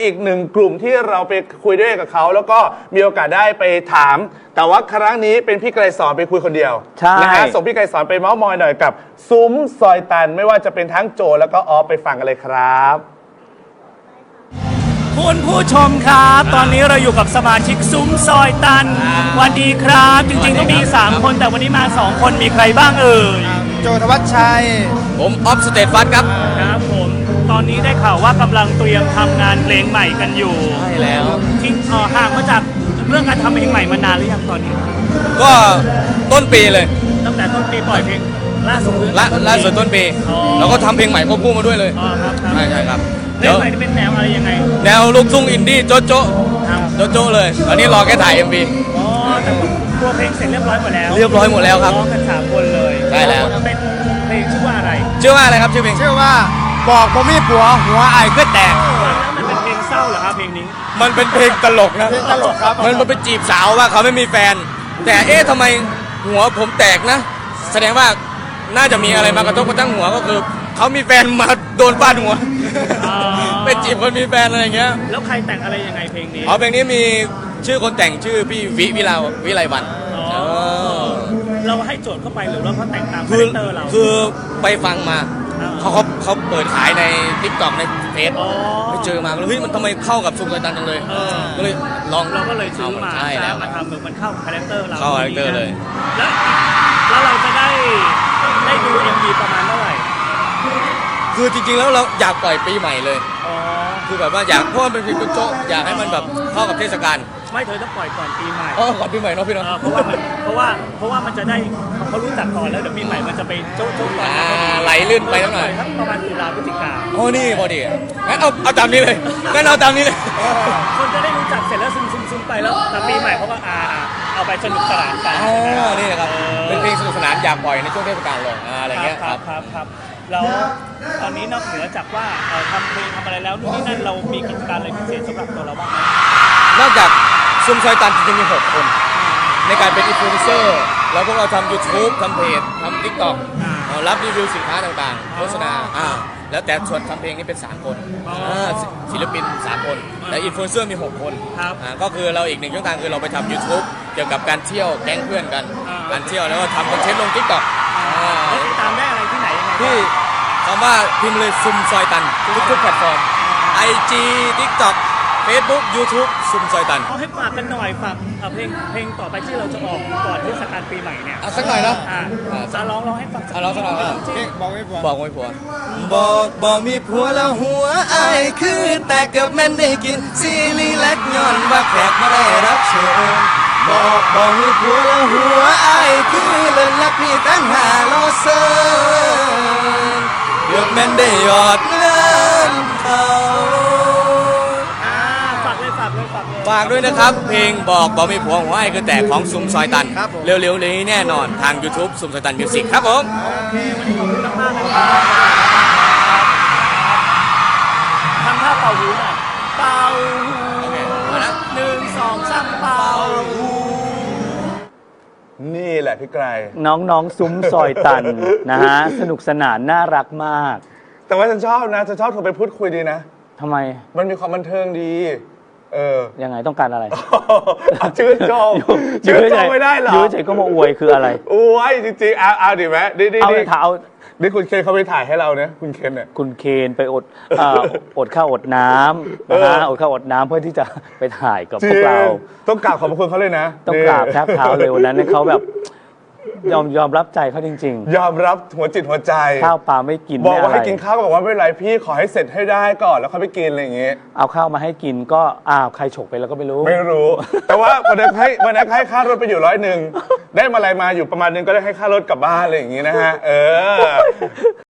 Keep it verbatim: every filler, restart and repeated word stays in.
อีกหนึ่งกลุ่มที่เราไปคุยด้วยกับเขาแล้วก็มีโอกาสได้ไปถาม แต่ว่าครั้งนี้เป็นพี่ไกรสอนไปคุยคนเดียวใช่นะฮะส่งพี่ไกรสอนไปเมาส์มอยหน่อยกับซุ้มซอยตันไม่ว่าจะเป็นทั้งโจแล้วก็ออฟไปฟังกันเลยครับคุณผู้ชมครับ ตอนนี้เราอยู่กับสมาชิกซุ้มซอยตันวันดีครับ จริงๆต้องมีสามคนแต่วันนี้มาสองคนมีใครบ้างเอ่ยโจธวัชชัยผมออฟสเตทฟัสครับครับผมตอนนี้ได้ข่าวว่ากำลังเตรียมทำงานเพลงใหม่กันอยู่ใช่แล้วทิ้งเอ่อห่างมาจากเรื่องการทำเพลงใหม่มานานหรือยังตอนนี้ก็ต้นปีเลยตั้งแต่ต้นปีปล่อยเพลงล่าสุดหรือละล่าสุดต้นปีอ๋อแล้วก็ทำเพลงใหม่ควบคู่มาด้วยเลยอ๋อครับครับใช่ใช่ครับเพลเดี๋ยงวใหม่ที่เป็นแนวอะไรยังไงแนวลูกทุ่งอินดี้โจ๊ะโจ๊ะครับโจ๊ะโจ๊ะเลยตอนนี้รอแค่ถ่าย เอ็ม วีอ๋อแต่ตัวเพลงเสร็จเรียบร้อยหมดแล้วเรียบร้อยหมดแล้วครับร้องกันสามคนเลยใช่แล้วเป็นเพลงชื่อว่าอะไรชื่อว่าอะไรครับชื่อเพลงชื่อว่าบอกผมมีผัวหัวไอ้ก็แตกฟังแล้วมันเป็นเพลงเศร้าเหรอครับเพลงนี้มันเป็นเพลงตลกนะเพลงตลกครับมันมันไปจีบสาวว่าเขาไม่มีแฟน แต่เอ๊ะทำไมหัวผมแตกนะ แสดงว่าน่าจะมีอะไรมากระทบกระทั่งหัวก็คือเขามีแฟนมาโดนฟาดหัวอ๋อเป็นจีบคนมีแฟนอะไรอย่างเงี้ยแล้วใครแต่งอะไรยังไงเพลงนี้อ๋อเพลงนี้มีชื่อคนแต่งชื่อพี่วิวิลาวิไลวันอ๋อเออเราให้โจทย์เข้าไปหรือว่าเขาแต่งตามคาคือแรคเตอร์เราคือไปฟังมาอ่าเขาเขาเขาเปิดขายในทิกตอกในเฟซอ๋อไปเจอมาแล้วเฮ้ยมันทำไมเข้ากับซุปไก่ตันจังเลยเออก็เลยลองเราก็เลยซื้อมาใช่แล้วมาทำเหมือนมันเข้าคาแรคเตอร์เราเข้าคาแรคเตอร์เลยแล้วแล้วเราจะได้ได้ดู เอ็ม วี ประมาณเท่าไหร่คือจริงๆแล้วเราอยากปล่อยปีใหม่เลยอ๋อคือแบบว่าอยากเพราะมันเป็นเพลงโจ๊ะๆอยากให้มันแบบเข้ากับเทศกาลไม่เธอต้องปล่อยก่อนปีใหม่อ๋อก่อนปีใหม่เนาะพี่เอเนาะอเพราะว่ามันเพราะว่าเพราะว่ามันจะได้เขารู้จักก่อนแล้วเดี๋ยวปีใหม่มันจะไปโจ๊ะโจ๊ะก่อนอ่าไหลลื่นไปสักหน่อยทั้งประมาณตุลาพฤศจิกาโอ้นี่พอดีงั้นเอาเอาตามนี้เลยงั้นเอาตามนี้เลยคนจะได้รู้จักเสร็จแล้วซึมซึมซึมไปแล้วแต่ปีใหม่เขาก็อ่าเอาไปสนุกสนานกันอ๋อนี่นะครับเป็นเพลงสนุกสนานอยากปล่อยในช่วงเทศกาลเลยอ่าอะไรเงี้ยครับครับครับแล้วตอนนี้นอกเหนือจากว่าเอ่อทำเพลงทำอะไรแล้วนู่นนี่นั่นเรามีกิจการอะไรพิเศษสำหรับตัวเราบ้างไหมนอกจากซุมซอยตันจริงๆมีหกคน ในการเป็นอินฟลูเอนเซอร์แล้วพวกเราทำ YouTube ทำเพจทำ TikTok เอ่อรับรีวิวสินค้าต่างๆ โฆษณาอ่าแล้วแต่ส่วนทำเพลงนี่เป็น สาม คนอ่าศิศิลปิน สาม คน และอินฟลูเอนเซอร์มี หก คนครับอ่าก็คือเราอีกหนึ่งช่องทางคือเราไปทำ YouTube เกี่ยวกับการเที่ยวแก๊งเพื่อนกันอ่าการเที่ยวแล้วก็ทำคอนเทนต์ลง TikTok อ่าแล้วติดตามได้อะไรที่ไหนยังไงบ้างที่คำว่าพิมพ์เลยซุมซอยตันทุกๆแพลตฟอร์ม ไอ จี TikTok Facebook YouTube ซุมซอยตันเขาให้ฝากกันหน่อยฝากเอ่อเพลงเพลงต่อไปที่เราจะออกก่อนเทศกาลปีใหม่เนี่ยอ่ะสักหน่อยเนอะอ่าอ่าจะร้องร้องให้ฟังอ่ะร้องสักหน่อยอ่ะเพลงบอกไม่ผัวบอกไม่ผัวบอกบอกมีผัวแล้วหัวไอ้ายคือแต่เกือบแม่นได้กินซีรีส์เล็กย้อนว่าแขกมาได้รับเชิญบอกบอกมีผัวแล้วหัวไอ้ายคือเล่นลักพี่ตั้งหาโลเซินเกือบแม่นได้ยอดเงินเขาอ่าฝากเลยฝากเลยฝากเลยฝากด้วยนะครับ เพลงบอกบอกไม่ผัวหัวไอ้คือแต่ของซุมซอยตัน เร็วๆนี้แน่นอนทาง YouTube ซุมซอยตันมิวสิกครับผมโอเควันนี้ขอบคุณมากๆนะครับทำท่าเป่าหูหน่อยเป่าหูโอเคมานะหนึ่งสองสามเป่าหูนี่แหละพี่ไกรน้องๆซุ้มซอยตัน นะฮะ สนุกสนานน่ารักมากแต่ว่าฉันชอบนะฉันชอบโทรไปพูดคุยดีนะทำไมมันมีความบันเทิงดี เออยังไงต้องการอะไรเอาชื่นชมชื่นชมไม่ได้เหรอยื้อเฉยก็มาอวยคืออะไรโอ้ยจริงๆเอาเอาดิไหมดิดิเอาดิเลยค่ะเอานี่คุณเคนเขาไปถ่ายให้เราเนี่ยคุณเคนเนี่ยคุณเคนไปอดเอ่ออดข้าวอดน้ำนะฮะเอออดข้าวอดน้ำเพื่อที่จะไปถ่ายกับจริพวกเราต้องกราบขอบพระคุณเขาเลยนะต้องนี่กราบแทบเท้าเลยวันนั้นเนี่ยเขาแบบยอมยอมรับใจเขาจริงยอมรับหัวจิตหัวใจๆ ข้าวปลาไม่กินบอกไม่ว่าอะไรให้กินข้าวก็บอกว่าไม่เป็นไรพี่ขอให้เสร็จให้ได้ก่อนแล้วค่อยไปกินอะไรอย่างเงี้ยเอาข้าวมาให้กินก็อ้าวใครฉกไปแล้วก็ไม่รู้ไม่รู้ แต่ว่าวันนั้นให้วันนั้นให้ค่ารถไปอยู่ร้อยหนึ่งได้มาอะไรมาอยู่ประมาณนึงก็ได้ให้ค่ารถกลับบ้านอะไรอย่างงี้นะฮะเออ